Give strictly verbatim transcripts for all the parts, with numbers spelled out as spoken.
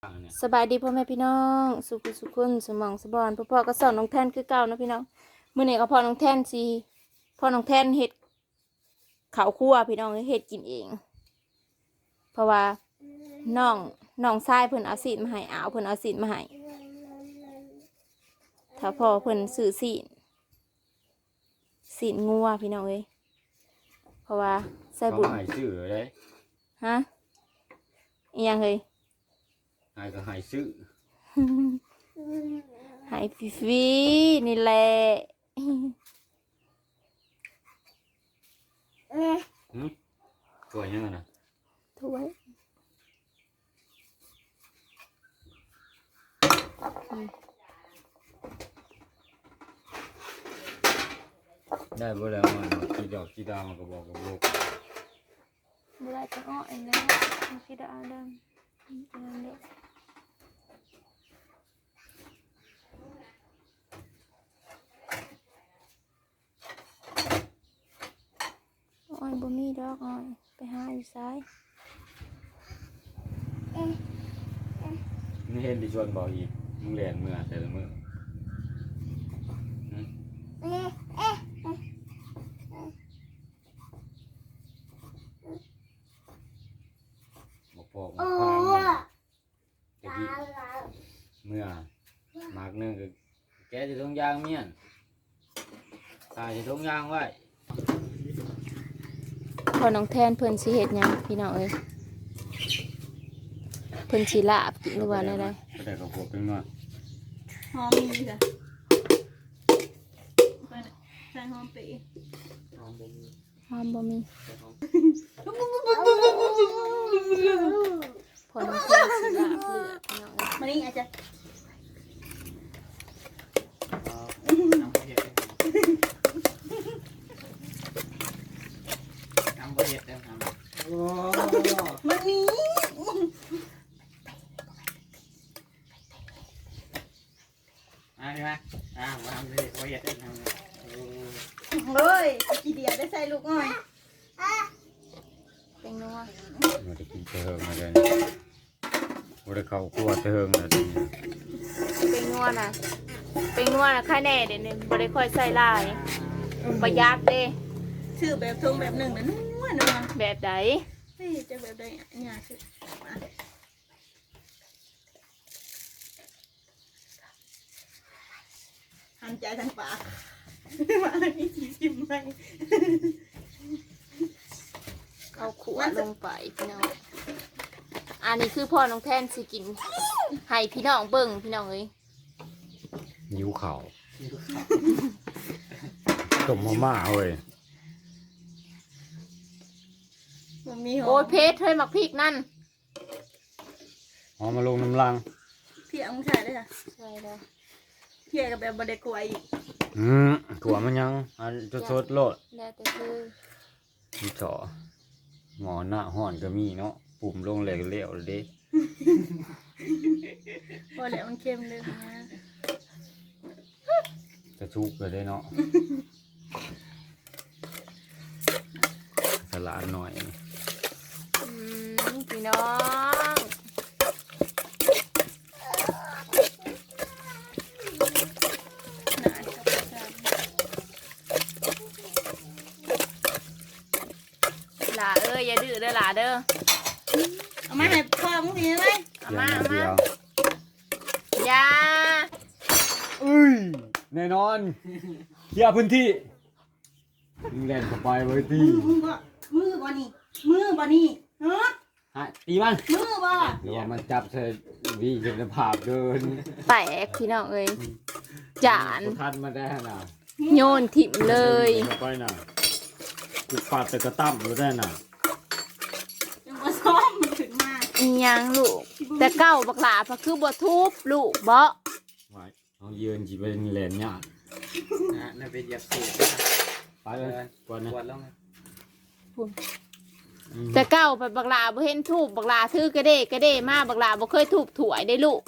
เนี่ยสบายดีพ่อแม่พี่น้องสุขสุขคนสมองสบอนพ่อพ่อก็สอนน้องแทนคือเก่านะพี่น้องมื้อนี้ก็พ่อน้องแทนสิพ่อน้องแทนเฮ็ดข้าวคั่วพี่น้องเฮ็ดกินเอง เพราะว่าน้องน้องชายเพิ่นเอาสีนมาให้อาวเพิ่นเอาสีนมาให้ถ้าพ่อเพิ่นซื้อสีนสีนงัวพี่น้องเอ้ยเพราะว่าใส่เขาบุญใหายซื้อเลยฮะอีหยังเฮ้ยใหายก็ใหายซื้อหายฟรีๆนี่แหละหืมตัวยังไงนะถ้วยอืมได้บ่แล้วมันกี่ดอกกี่ดาวมันก็บอกกับลูกเวลาจะอ้อเองแล้วมันคิดเอาดำอืมอันนั้นเด้ออ้อยบ่มีดอกอ้อยไปหาอยู่ซ้ายนี่เห็นที่ชวนบอกอีกมึงเรียนเมื่อแต่ละมื้อหืมบอกพ่อบอกพ่อเดี๋ยวพี่เมื่อมากนึงก็แกจะทงยางเมียนตายจะทงยางไว้พอน้องแทนเพิ่นสิเฮ็ดหยังพี่น้องเอ้ยเพิ่นสิลาบกินหรือว่าอะไรก็ได้กับพวกเป็นว่าหอมมีจ้ะใส่หอมปีหอมบ่มีพอน้องแทนสิลาบเลือดพี่น้องเอ้ยมานี่อาจจะ มันนี้เฮ้ยกี่เดียวได้ใส่ลูกอ้อยเป็นนัวมันจะกินเติงมาเลยมันจะเข้าครัวเติงเลยเป็นนัวน่ะเป็นนัวน่ะค่าแน่เดี๋ยวนี้บ่ได้ค่อยใส่หลายประหยัดเด้ชื่อแบบทงแบบหนึ่งนะนัวนัวแบบใดเฮ้ยจะแบบใดเนี่ยคือหันใจทางปากมาอันนี้ชิมชิมไปเอาขวดลงไปพี่น้องอันนี้คือพ่อน้องแทนสิกินให้พี่น้องเบิ่งพี่น้องเอ้ยนิ้วเข่าต้มมาม่าเว้ยมันมีหอโอ้ยมเพชรเฮ้ยหมักพริกนั่นหอมมาลงน้ำลังเพียงใส่ได้ค่ะใช่แล้วเพียงกับแบบบดกลัวอีกอืมถั่วมันยังอันจะสดโลดแล้วแต่คือมีจ่อหมอหน้าห่อนก็มีเนาะปุ่มลงเหลวเหลวเลยเด้พอแล้วมันเค็มเลยนะจะชุกเลยได้เนาะสลัดหน่อยอืมพี่น้องหลาเอ้ยอย่าดื้อเด้อหลาเด้อเอามาให้พ่อมึงทีไหมเอาเพียมาง เอาเดีมายวอย่าเอ้ยแน่นอนเคลียร์พื้นที่มึงเล่นเข้าไปไว้ตีมือบ่มือบ่นี่มือบ่นี่ฮะฮะตีมันมือบ่เดี๋ยวมันจับเธอวีจนภาพเดินแตกพี่น้องเอ้ยจานทันมาได้น่ะโยนถิ่มเลยเข้าไปน่ะกูปาดแต่กระตั้มอยู่ได้น่ะยังบ่ซ้อมมันถึงมาอีหยังลูก แต่เก้าบักหลาพะคือบ่ทุบลูกบ่ไว้เอายืนจีเป็นแหลนยากนะนั่นเป็นยาสูบไปเลยก่อนนะปวดแล้วไงอืมแต่เก้าไปบักหลาบ่เห็นทุบบักหลาถือกระเด้กระเด้มาบักหลาบ่เคยทุบถวยได้ลูก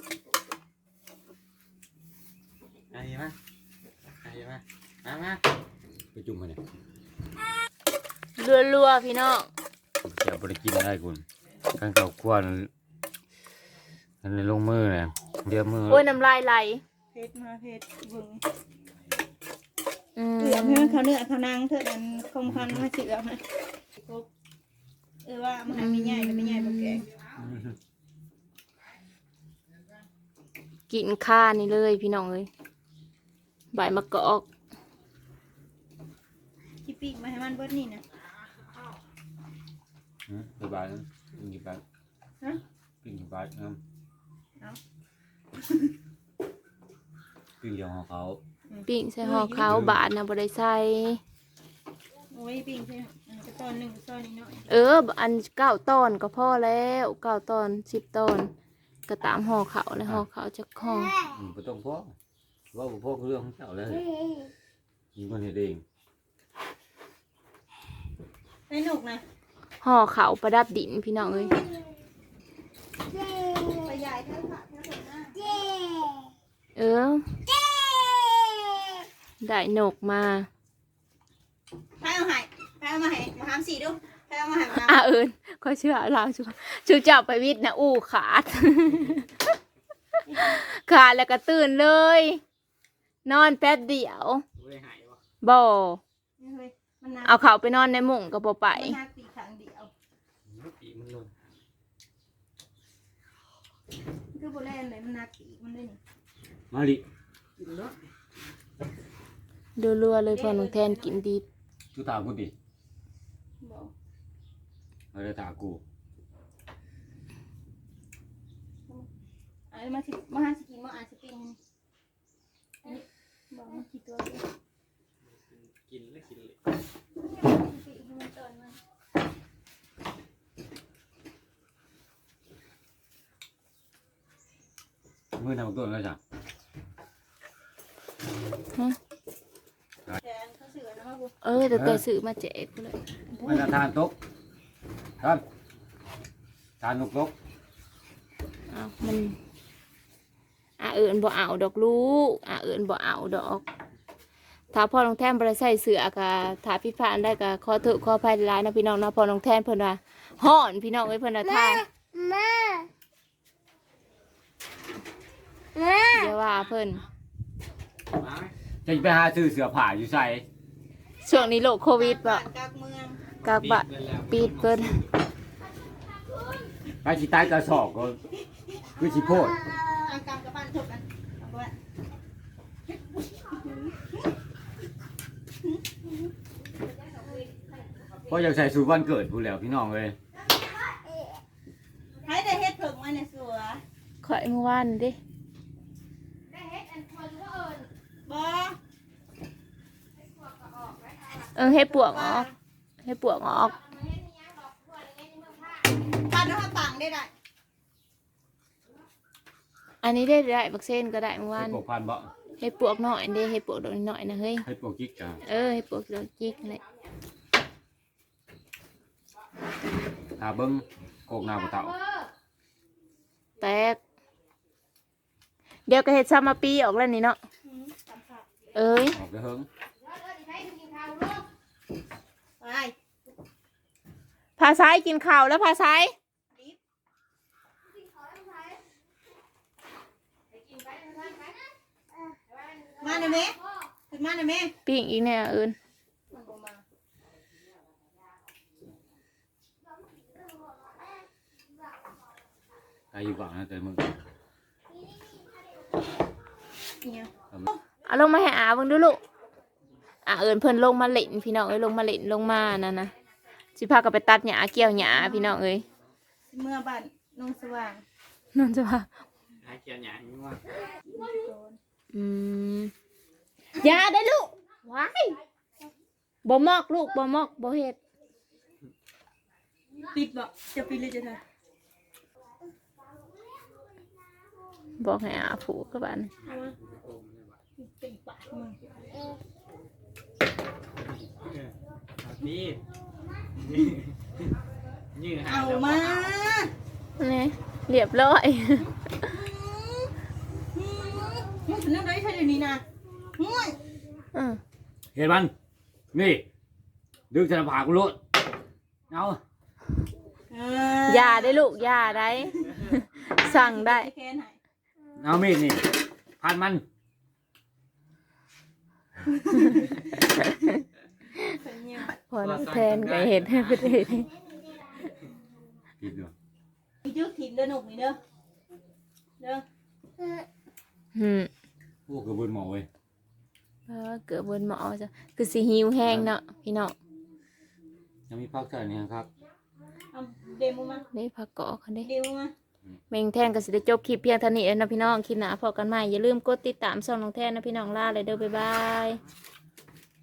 อันนี้มาอันนี้มามามาไปจุ่มมาเนี่ยรัวๆพี่น้องจะไปกินได้คุณการเก่าควนอันนี้ลงมือเลยเดี๋ยวมือโอ้ยน้ำลายไหลเพชรมาเพชรเบิ่งอืมเอือมให้มันเขาเนื้อเขานางเถิดมันคงคันมาเสือมาเออว่ามันไม่ใหญ่ไม่ใหญ่แบบแกงกินข้านี่เลยพี่น้องเอ้ยใบมะกอกที่ปีกมาให้มันเบิดนี่นะอืมสบายนะกินกี่บาทฮะกินกี่บาทครับเอากินเดียวของเขาปิ้งใส่ห่อขาวบาทนะบ่ได้ใส่โอ้ยปีกใช่อันก็ตอนหนึ่งตอนนี้หน่อยเอออันเก้าตอนก็พอแล้วเก้าตอนสิบตอนก็ตามห่อขาวเลยห่อขาวจะห่ออืมบ่ต้องพ่อว่าบ่พ่อคือเรื่องของเจ้าเลยมีคนเฮ็ดเองไอ้หนุกนะห่อขาวประดับดินพี่น้องเอ้ยไปใหญ่เท่าขาเท่าหัวหน้าเออได้นกมาไปเอาให้ไปเอามาให้มาทำสีดูไปเอามาให้มาอ่ะเอิญก็เชื่อเราชูชูเจ้าไปวิทย์นะอู้ขาด ขาดแล้วก็ตื่นเลย นอนแป๊บเดียวบ่เฮ้ยมันนักเอาเขาไปนอนในมุ้งก็บ่ไปมันนักปีกข้างเดียวปีมันหล่นคือโบแลนเลยมันนักปีกมันเลยนี่มาลิกินเนาะดูรัวเลยพอน้องแทนกินดีกูตากูดิบอกเอาได้ตากูไอ้มาสิมาหาสิกินมาอ่านสปริงนี่บอกมันกี่ตัวเลยกินแล้วกินเลยสปริงให้มันเตินมันมือทำตัวแล้วจ้ะแกนเขาเสือนะมาบุเออแต่ตัวซื้อมาแจกเลยมันจะทานตกครับทานนกตกอ้าวมันอ่ะเอิญบ่เอาดอกลูกอ่ะเอิญบ่เอาดอกถ้าพ่อน้องแทนบ่ได้ใส่เสื้อก็ถ้าพี่พานได้ก็ขอโทษขออภัยหลายๆนะพี่น้องนะพ่อน้องแทนเพิ่นว่าฮ้อนพี่น้องเอ้ยเพิ่นว่าทานเดี๋ยวว่าเพิ่นมาไหมจะไปหาซื้อเสื้อผ้าอยู่ใส่ช่วงนี้โรคโควิดบ่บ้านกลางเมืองกากบะปิดเพิ่นไปสิตายกระสอบก็คือสิโพดกลางกลางกับบ้านถกกันเอาไว้เพราะอยากใส่สูทวันเกิดพูดแล้วพี่น้องเลยให้ได้เฮ็ดเพิ่งมาเนี่ยสัวข่อยเมื่อวานเด้บ่เออให้ปวกออกให้ปวกออกบ้านเราต่างได้ได้อันนี้ได้ได้บักเส้นก็ได้เมื่อวาให้นปลูกพันธุ์บ่ให้ปวกหน่อยเด้ให้ปวกดอกน้อยนะเฮ้ยให้ปลูกกิ๊กจ้ะเออให้ปวกดอกจิกเลยถ้าเบิ้งโกกหน้าบ่เต่าแตกเดี๋ยวก็เฮ็ดซามาปีออกแล้วนี่เนาะเอ้ยออกไปเฮิงไปพาซ้ายกินข้าวแล้วพาซ้ายมาหน่อยแม่ขึ้นมาหน่อยแม่ปิ้งอีกแน่เอิญมันบ่มาใครอยู่บ้านนะแต่มึงเนี่ยเอาลงมาให้อาเบิ่งดูลูกอ่ะเอิญเพิ่นลงมาเล่นพี่น้องเอ้ยลงมาเล่นลงมานั่นนะสิพากันไปตัดหญ้าเกี่ยวหญ้าพี่น้องเอ้ยเมื่อบ้านนงสว่างนั่นจะว่าหาเกียร์หยางนี่ว่าอืมอย่าได้ลูกว้ายบ่มอกลูกบ่มอกบ่เฮ็ดปิดบ่จะปิดเลยจะเถอะบอกให้อาผูกกับบ้านปิดปากมึงนี่ยืดหาเอาแล้วมานี่เรียบร้อยมึงถึงนั่งได้แค่เดี๋ยวนี้นะมึงอือเห็นมันนี่ดึงสนผากูโลดเอาเอออย่าได้ลูกอย่าได้ สั่งได้แค่ไหนเอามีดนี่พันมันเป็นเนี่ยพอน้องแทนก็เห็ดให้ประเทศผิดด้วยมีจุกถิ่นเด้อหนุกนี่เด้อเด้ออืมพวกกระเบือนหมอเว้ยเออเกิดบนหมอจ้ะคือสิหิวแห้งเนาะพี่น้องยังมีพักเท่านี้ครับเอาเดมูมาได้ผักกอกกันเด้เดมูมาแมงแทนก็สิได้จบคลิปเพียงเท่านี้เองนะพี่น้องคลิปหน้าพอกันใหม่อย่าลืมกดติดตามช่องน้องแทนนะพี่น้องลาเลยเด้อบ๊ายบาย